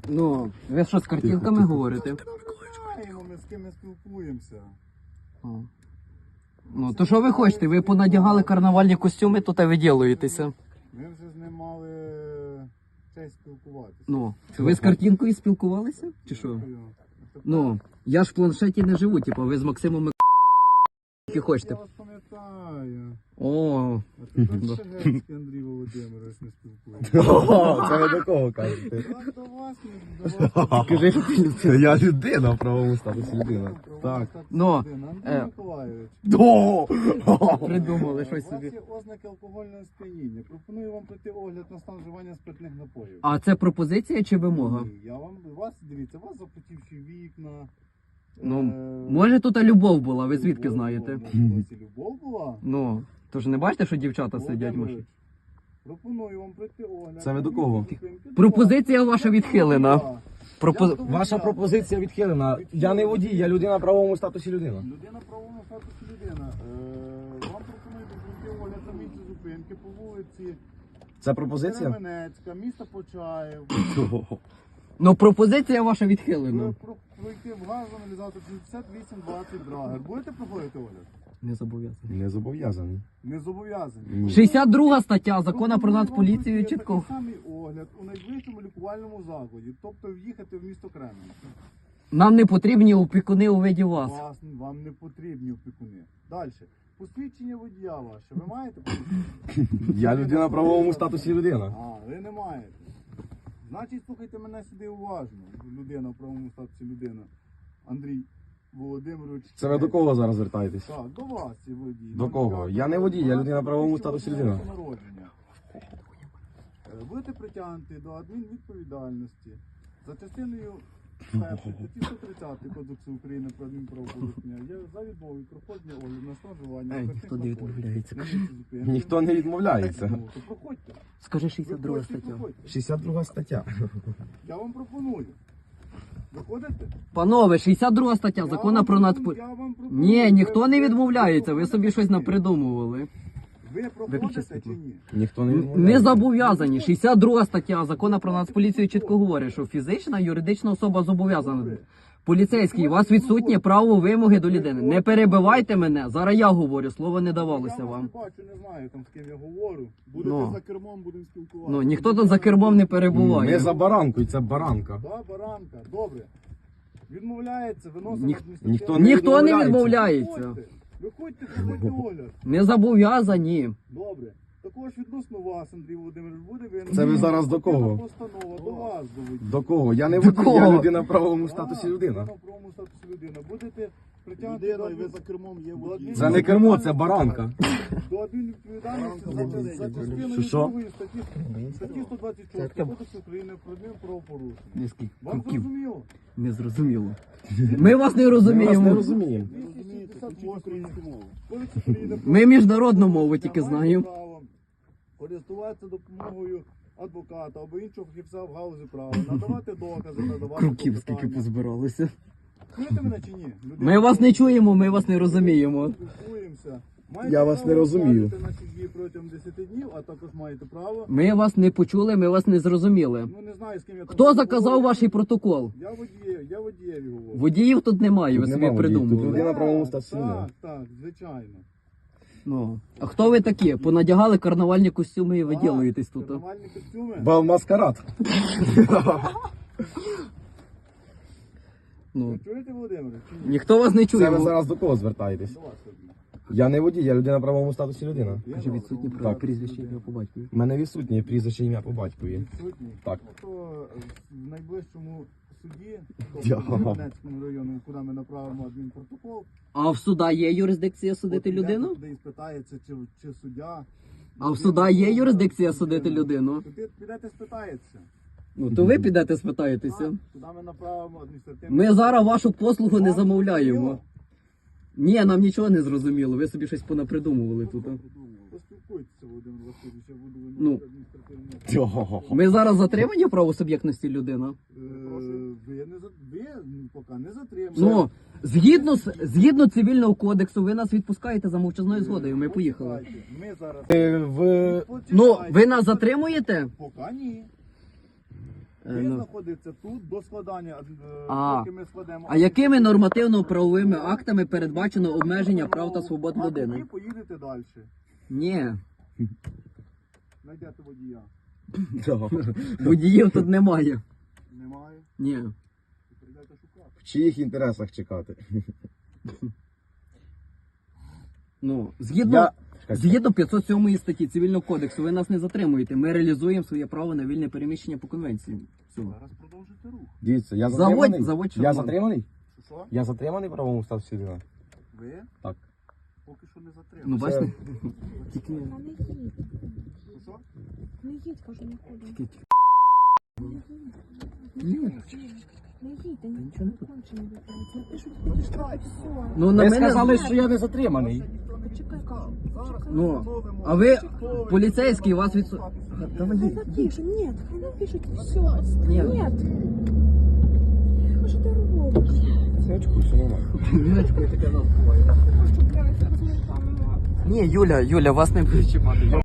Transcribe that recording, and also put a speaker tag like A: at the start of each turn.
A: Ну, ви що з картинками говорите?
B: Знаємо, ми з ким ми спілкуємося.
A: О. Ну, то що ви хочете? Ви понадягали карнавальні костюми, то та ви ділаєтеся.
B: Ми вже з ним мали честь спілкуватися.
A: Ну, ви з картинкою спілкувалися? Чи що? Ну, я ж в планшеті не живу, типу, ви з Максимом які хочете.
B: Я вас пам'ятаю.
A: О,
B: А тепер Шегецький Андрій Володимирович не спілкується.
C: Це ви до кого кажете?
B: Так, до вас, не до вас.
A: скажи, що ти людина.
C: Я людина в правовому статусі людина. Так.
A: Ну,
B: Андрій Миколайович.
A: придумали щось
B: У вас
A: собі.
B: є ознаки алкогольного сп'яніння. Пропоную вам пройти огляд на стан вживання спиртних напоїв.
A: А це пропозиція чи вимога?
B: Ні, я вам, вас, дивіться, у вас запотівші вікна.
A: Ну,
B: е,
A: може тут любов була, ви звідки
B: любов
A: знаєте?
B: була, може, і любов була?
A: Ну, то ж не бачите, що дівчата сидять в машині?
B: Володимирович, пропоную вам пройти огляд.
C: Це ви до кого?
A: Пропозиція ваша відхилена.
C: Ваша пропозиція відхилена. Я не водій, я людина в правовому статусі людина.
B: Людина в правовому статусі людина. Вам пропоную пройти огляд на місці зупинки по вулиці
C: Це пропозиція?
B: Кременецька, місто Почаїв.
A: Ну, пропозиція ваша відхилена.
B: Пройти в газоаналізатор 6820 Драгер. Будете проходити огляд?
A: Не зобов'язаний.
C: Не зобов'язаний.
B: Не зобов'язані.
C: Ні.
A: 62 стаття закону про
B: Пропоную вам
A: Нацполіцію
B: пройти
A: чітко.
B: такий самий огляд у найближчому лікувальному закладі, тобто в'їхати в місто Кременець.
A: Нам не потрібні опікуни у виді вас.
B: Вам не потрібні опікуни. Далі. Посвідчення водія ваше. Ви маєте посвідчення?
C: Я людина в правовому статусі людина.
B: А, ви не маєте. Значить, слухайте мене сюди уважно. Людина в правовому статусі людина. Андрій Володимирович.
C: Це ви до кого зараз звертаєтесь?
B: Так, до вас є водій.
C: До кого? Я не водій, я людина в правовому статусі людина.
B: Народження. Будете притягнути до адмінвідповідальності за частиною першої статті 130 Кодексу України про адмінправопорушення. Я за відмову від проходження огляду на стан вживання.
A: Ей,
B: спиртних
A: ніхто не
B: напоїв.
A: відмовляється.
B: На місці зупинки.
C: Ніхто не відмовляється.
B: Ну, то проходьте.
A: Скажи 62
B: Виходьте,
A: стаття.
B: проходьте.
C: 62 стаття.
B: Я вам пропоную. Виходите?
A: Панове, 62 стаття закону про Нацполіцію.
B: Я вам пропоную.
A: Ні, ніхто не
B: Ви
A: відмовляється, ви
B: проходите
A: собі щось
B: чи ні?
A: напридумували.
B: Ви
A: Виключи
B: проходите
A: світло.
B: чи ні?
C: Ніхто не
A: Не
C: відмовляється.
A: зобов'язані. 62 стаття закону про Нацполіцію чітко говорить, що фізична, юридична особа зобов'язана. Поліцейський, у вас відсутнє право вимоги до людини. Не перебивайте мене, зараз я говорю, слово не давалося
B: Я вас
A: вам.
B: не бачу, не знаю там з ким я говорю. Будете
A: Ну.
B: за кермом, будемо спілкуватися.
A: Ну, ніхто тут за кермом не
C: Ми
A: перебуває.
C: за баранку, і це баранка.
B: Да, баранка, добре. Відмовляється, виносить
C: Ніхто
B: адміністративне.
A: Ніхто не
C: відмовляється.
A: відмовляється.
B: Виходьте, проходьте огляд.
A: Не зобов'язані.
B: Добре. Також відносно вас, Андрій Володимирович, буде винен.
C: Це ви зараз до кого?
B: Постанова до вас доведіть.
C: До кого? Я не
A: До
C: водій, я
A: кого?
C: людина в правовому статусі людина.
B: Людина в правовому статусі людина. Будете притягнути до
D: ви за кермом є водій.
C: Це не кермо, це баранка.
B: до адмінвідповідальності за частиною
C: Що?
B: 2 статті 126 Кодексу України про адмінправопорушення.
A: Низький
B: Вам
A: кроків.
B: зрозуміло?
A: Не зрозуміло. Ми вас не
C: Ми вас не
A: розуміємо.
C: розуміємо.
B: 268 Кодекс України про
A: Ми міжнародну мову тільки
B: маєте
A: знаємо.
B: право користуватися допомогою адвоката або іншого фахівця в галузі права, надавати докази, надавати
A: Круків скільки
B: клопотання.
A: позбиралося.
B: Чуєте мене чи ні?
A: Ми вас не чуємо, ми вас не розуміємо.
B: Спілкуємося.
C: Я вас не розумію.
B: Маєте право наші дії протягом 10 днів, а також маєте право.
A: Ми вас не почули, ми вас не зрозуміли.
B: Ну не знаю, з ким я там
A: Хто заказав
B: говорю.
A: ваш протокол?
B: Я водієві говорю.
A: Водіїв тут немає, ви
C: Тут
A: собі
C: нема водіїв, тут
A: придумали.
C: людина в правовому статусі людина.
B: Так, звичайно.
A: Ну. А хто ви такі? Понадягали карнавальні костюми і ви ділаєтесь тут.
B: Нормальні костюми.
C: Бал маскарад.
A: Ну.
B: Ви чуєте, Володимир? Чи ні?
A: Ніхто вас не
C: Це ви
A: чує.
C: зараз до кого звертаєтесь?
B: До вас тоді.
C: Я не водій, я людина в правовому статусі людина.
B: Я
A: Каже,
B: до вас
A: відсутні
B: говорю.
A: права
C: Так.
A: прізвище ім'я по батькові.
C: У мене відсутнє прізвище ім'я по батькові.
B: Відсутні?
C: Так.
B: То в найближчому суді,
C: Я.
B: тобто в Кременецькому районі, куди ми направимо адмінпротокол,
A: А в суда є юрисдикція судити
B: от підете
A: людину?
B: туди і спитається, чи суддя.
A: А в суда є юрисдикція судити людину?
B: Туди підете спитається.
A: Ну то ви підете спитаєтеся.
B: Так, туди ми направимо адміністративне.
A: Ми зараз вашу послугу не
B: Вам
A: замовляємо.
B: зрозуміло?
A: Ні, нам нічого не зрозуміло. Ви собі щось понапридумували тут.
B: Поспілкуйтеся, Володимир Васильович, я буду
A: Ну.
B: виносити адміністративне.
A: Ми зараз затримані правосуб'єктності людина.
B: Ви поки не затримуєте.
A: Ну, згідно цивільного кодексу, ви нас відпускаєте за мовчазною згодою. Ми поїхали.
B: Ми зараз.
C: В...
A: Ну, ви нас затримуєте?
B: Поки ні. Ви
A: ну.
B: знаходитеся тут до складання,
A: А.
B: поки ми складемо.
A: А якими нормативно-правовими актами передбачено обмеження прав та свобод
B: А
A: людини?
B: тоді поїдете далі.
A: Ні,
B: Знайдете водія.
A: водіїв тут немає.
B: Немає.
A: Ні.
B: Прийдете шукати.
C: В чиїх інтересах чекати?
A: Ну, згідно
C: Я...
A: Згідно 507 статті Цивільного кодексу, ви нас не затримуєте. Ми реалізуємо своє право на вільне переміщення по конвенції. Все.
B: Зараз продовжуйте рух.
C: Дивіться, я
A: Заводь-
C: затриманий.
A: заводь
C: Я
A: шаблон.
C: затриманий?
B: Що?
C: Я затриманий в правовому статусі людини?
B: Ви?
C: Так.
B: Поки що не
A: Ну,
B: затримали.
A: бачите? Тільки...
D: Та не їдь.
B: Що?
D: Не їдь, кажу, нікуди.
A: тільки-
D: Не їдь. Не їдь, та
A: нічого не
D: кончено виправиться. Напишуть, ходиш штраф, все.
A: Ну, на
C: Ви
A: мене...
C: сказали, що я не затриманий.
D: Почекай,
B: Зараз
A: Ну,
B: встановимо,
A: а ви,
B: хто ви.
A: поліцейський, вас від...
D: Хай напишуть, нет, хай напишуть, все.
A: Нет.
D: Нет. А що ти робиш?
C: Синочку, все нормально.
A: Жіночкою таке нас буває.
D: Хочу, блядь, зараз ми там.
A: Ні, Юля, вас не буде чіпати.